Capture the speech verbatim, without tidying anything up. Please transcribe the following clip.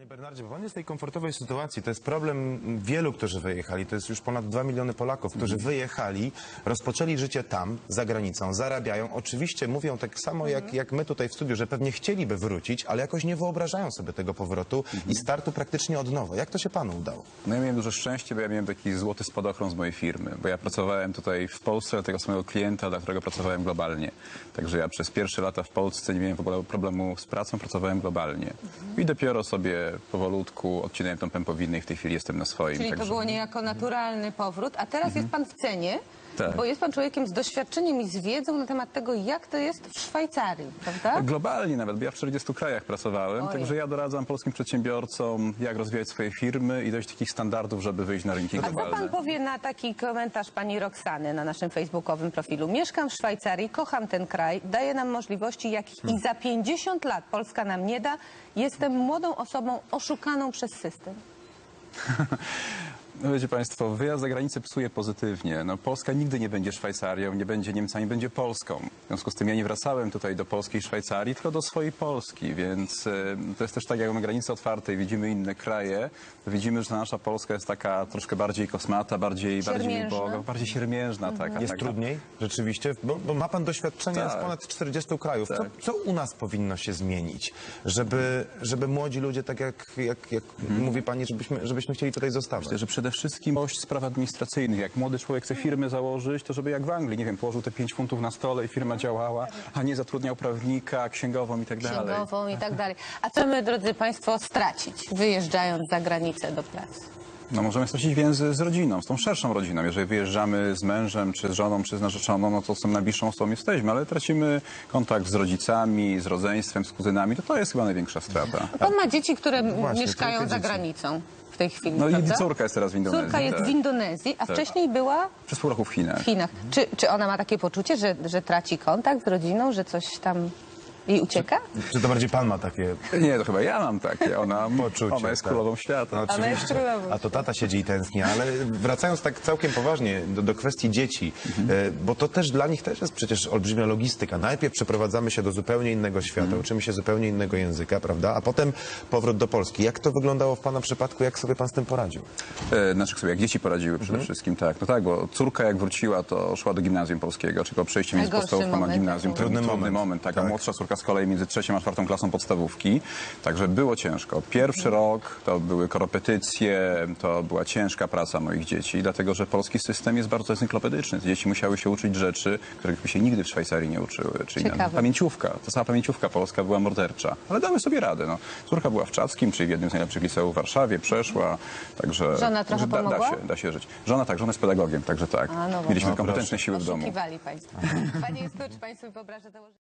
Panie Bernardzie, bo pan jest w tej komfortowej sytuacji. To jest problem wielu, którzy wyjechali. To jest już ponad dwa miliony Polaków, którzy wyjechali, rozpoczęli życie tam, za granicą, zarabiają. Oczywiście mówią tak samo jak, jak my tutaj w studiu, że pewnie chcieliby wrócić, ale jakoś nie wyobrażają sobie tego powrotu i startu praktycznie od nowa. Jak to się panu udało? No ja miałem duże szczęście, bo ja miałem taki złoty spadochron z mojej firmy, bo ja pracowałem tutaj w Polsce dla tego samego klienta, dla którego pracowałem globalnie. Także ja przez pierwsze lata w Polsce nie miałem w ogóle problemu z pracą, pracowałem globalnie. I dopiero sobie powolutku odcinałem tą pępowinę i w tej chwili jestem na swoim. Czyli także... to było niejako naturalny powrót, a teraz jest pan w cenie, Tak. bo jest pan człowiekiem z doświadczeniem i z wiedzą na temat tego, jak to jest w Szwajcarii, prawda? Globalnie nawet, bo ja w czterdziestu krajach pracowałem, Ojej. także ja doradzam polskim przedsiębiorcom, jak rozwijać swoje firmy i dojść do takich standardów, żeby wyjść na rynki A co globalne. pan powie na taki komentarz pani Roxany na naszym facebookowym profilu? Mieszkam w Szwajcarii, kocham ten kraj, daje nam możliwości, jakich i za pięćdziesiąt lat Polska nam nie da. Jestem młodą osobą oszukaną przez system. No wiecie państwo, wyjazd za granicę psuje pozytywnie. No, Polska nigdy nie będzie Szwajcarią, nie będzie Niemcami, będzie Polską. W związku z tym ja nie wracałem tutaj do polskiej Szwajcarii, tylko do swojej Polski, więc y, to jest też tak, jak mamy granice otwarte i widzimy inne kraje, to widzimy, że nasza Polska jest taka troszkę bardziej kosmata, bardziej, bardziej Siermiężna. uboga, bardziej siermiężna. Taka, Jest taka. trudniej rzeczywiście, bo, bo ma pan doświadczenie Tak. z ponad czterdziestu krajów. Co, Tak. co u nas powinno się zmienić, żeby, żeby młodzi ludzie, tak jak, jak, jak mówi pani, żebyśmy, żebyśmy chcieli tutaj zostawać? Myślę, że przede wszystkim dość spraw administracyjnych. Jak młody człowiek chce firmę założyć, to żeby jak w Anglii, nie wiem, położył te pięć funtów na stole i firma działała, a nie zatrudniał prawnika, księgową i tak dalej. Księgową i tak dalej. A co my, drodzy państwo, stracić, wyjeżdżając za granicę do pracy? No możemy stracić więzy z rodziną, z tą szerszą rodziną. Jeżeli wyjeżdżamy z mężem, czy z żoną, czy z narzeczoną, no to z tą najbliższą osobą jesteśmy, ale tracimy kontakt z rodzicami, z rodzeństwem, z kuzynami, to to jest chyba największa strata. Pan ma dzieci, które właśnie, mieszkają trójkę za dzieci. granicą w tej chwili, No i prawda? córka jest teraz w Indonezji. Córka jest tak. w Indonezji, a Tak. wcześniej była Przez pół roku w Chinach. w Chinach. Czy, czy ona ma takie poczucie, że, że traci kontakt z rodziną, że coś tam jej ucieka? Czy to bardziej pan ma takie Nie, to chyba ja mam takie. Ona, poczucie? ona jest tak? królową świata. No, Ona jest oczywiście. królową. A to tata siedzi i tęskni, ale wracając tak całkiem poważnie do, do kwestii dzieci, e, bo to też dla nich też jest przecież olbrzymia logistyka. Najpierw przeprowadzamy się do zupełnie innego świata, uczymy się zupełnie innego języka, prawda? A potem powrót do Polski. Jak to wyglądało w pana przypadku? Jak sobie pan z tym poradził? E, Znaczy sobie, jak dzieci poradziły przede wszystkim, tak. No tak, bo córka jak wróciła, to szła do gimnazjum polskiego, czyli po przejściu między Najgorszy podstawówką a moment, gimnazjum. tak. To był Trudny trudny moment. moment, tak. A Tak. młodsza córka z kolei między trzecią a czwartą klasą podstawówki. Także było ciężko. Pierwszy rok to były korepetycje, to była ciężka praca moich dzieci, dlatego że polski system jest bardzo encyklopedyczny. Dzieci musiały się uczyć rzeczy, których by się nigdy w Szwajcarii nie uczyły. Czyli Ciekawe. pamięciówka. Ta sama pamięciówka polska była mordercza. Ale dały sobie radę. No. Córka była w Czackim, czyli w jednym z najlepszych liceów w Warszawie, przeszła. Także, Żona trochę także da, da, pomogła? się, da się żyć. Żona tak, żona jest pedagogiem, także tak. A, no Mieliśmy właśnie. kompetentne siły w domu. Oszukiwali państwo. Panie Justu, czy państwo wyobraża założyć...